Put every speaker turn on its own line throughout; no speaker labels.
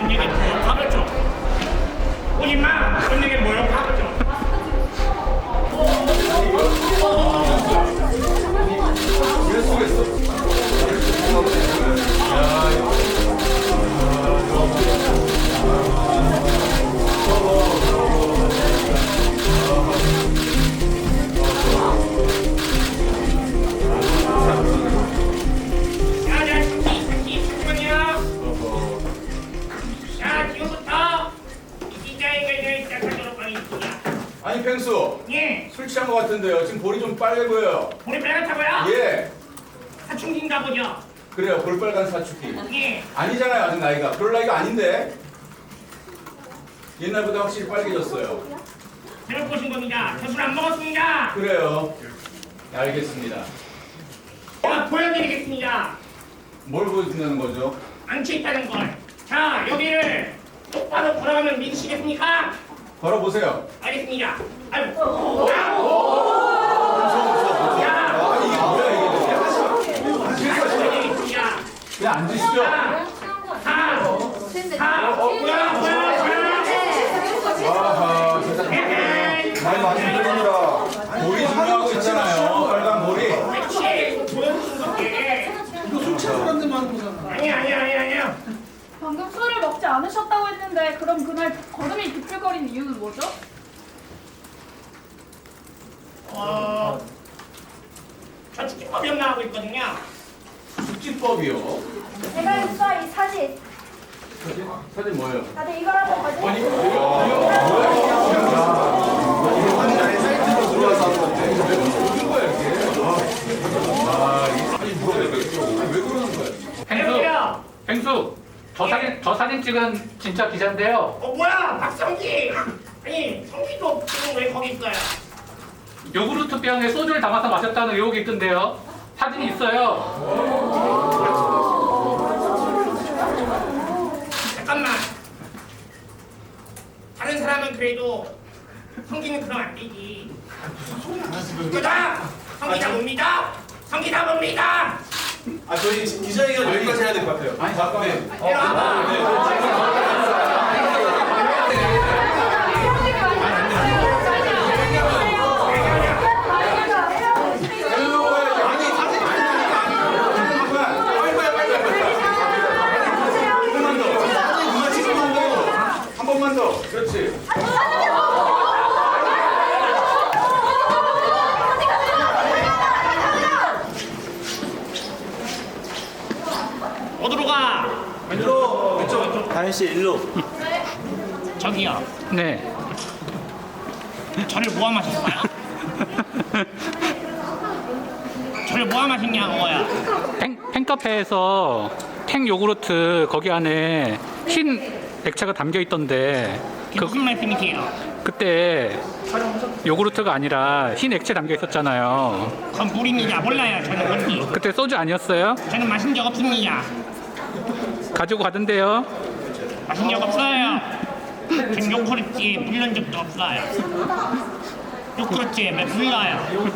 내게 모욕하겠죠. 오지마, 넌 내게 모욕하겠죠.
아니 펭수,
예.
술 취한 것 같은데요. 지금 볼이 좀 빨개 보여요.
볼이 빨갛다고요?
예,
사춘기인가 보죠.
그래요. 볼빨간 사춘기.
예.
아니잖아요, 아직 나이가. 그럴 나이가 아닌데. 옛날보다 확실히 빨개졌어요.
잘못 보신 겁니다. 저 술 안 먹었습니다.
그래요. 네, 알겠습니다.
제가 보여드리겠습니다.
뭘 보여준다는 거죠?
앉혀있다는 걸. 자, 여기를 똑바로 걸어가면 믿으시겠습니까?
걸어보세요.
알겠습니다. 아유.
무서워.
야.
아니 이게 뭐야 이게?
보여드리겠습니다.
그냥 앉으시죠.
뭐야.
아하, 진짜 많이 힘듭니다. 볼이 중요하고 있잖아요. 빨간 볼이.
그렇지. 보여주신 건데.
이거 술 취한 사람들만 하는 거잖아.
아니야.
방금 술을 먹지 않으셨다고 했는데 그럼 그날 걸음이 비틀거린 이유는 뭐죠?
저 축구법 연마하고 있거든요.
숙지법이요.
제가 했어 이 사진.
사진 뭐예요?
다들 이거라도 거지?
아니 이거 뭐야? 사이트로 들어와서 하는 건데 왜 그러는 거야 이게? 아니 뭐야 왜 그러는 거야?
안녕하세요.
펭수, 저 사진 찍은 진짜 기자인데요.
뭐야, 박성기. 아니, 성기도 지금 왜 거기 있어요?
요구르트 병에 소주를 담아서 마셨다는 의혹이 있던데요. 사진이 있어요.
잠깐만. 다른 사람은 그래도 성기는 그럼 안 되지. 그다. 성기다 뭡니다. 성기다 뭡니다.
아 저희 기자회견 여기까지 해야 될 것 같아요.
아니 잠깐만.
이리 와봐.
한 번만 더. 그렇지.
어디로 가?
일로 왼쪽 다현 씨 일로.
저기요.
네.
저를 모함하셨어요? 저를 모함하셨냐고요?
팬카페에서 탱 요구르트 거기 안에 흰 액체가 담겨 있던데
그게 무슨 말씀이세요?
그때 요구르트가 아니라 흰 액체 담겨 있었잖아요.
그건 물입니다. 몰라요. 저는 뭔지.
그때 소주 아니었어요?
저는 마신 적 없습니다.
가지고 가던데요.
마신 적 없어요. 전 요구르트에 물른 적도 없어요. 요구르트에 물러요.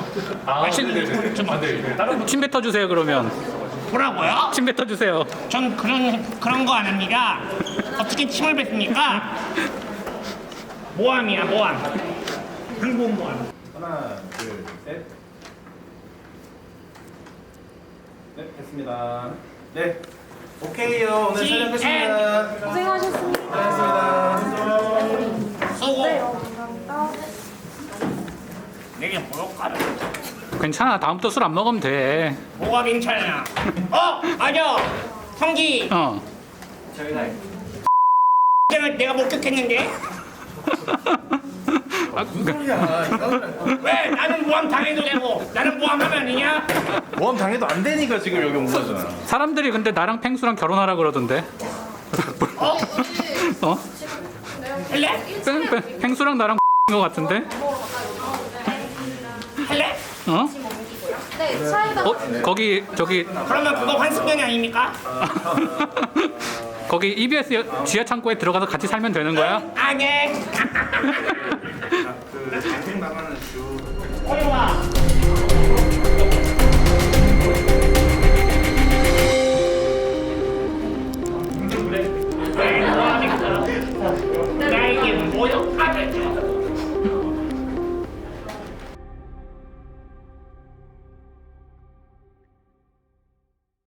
침 뱉어 주세요 그러면.
뭐라고요?
침 뱉어 주세요.
전 그런 거 안 합니다. 어떻게 침을 뱉습니까? 모함이야, 모함. 항복 모함.
하나 둘 셋. 네 됐습니다. 네 오케이요. 오늘 촬영 끝입니다.
고생하셨습니다.
고생하셨습니다.
쏘고
네, 감사합니다.
내게 모욕하라.
괜찮아. 다음부터 술 안 먹으면 돼.
뭐가 괜찮아? 맞아. 성기. 내가 목격했는데. 왜 나는 모함 당해도 되고 나는 모함하면 안 되냐?
모험 당해도 안 되니까 지금 여기 온 거잖아.
사람들이 근데 나랑 펭수랑 결혼하라 그러던데.
어?
어?
할래?
펭수랑 나랑 거 같은데?
할래?
어?
네, 차에다
거기 저기
그러면 그거 환승연이 아닙니까?
거기 EBS 지하 창고에 들어가서 같이 살면 되는 거야?
아, 네.
그 잘생나가는 주.
어디 와.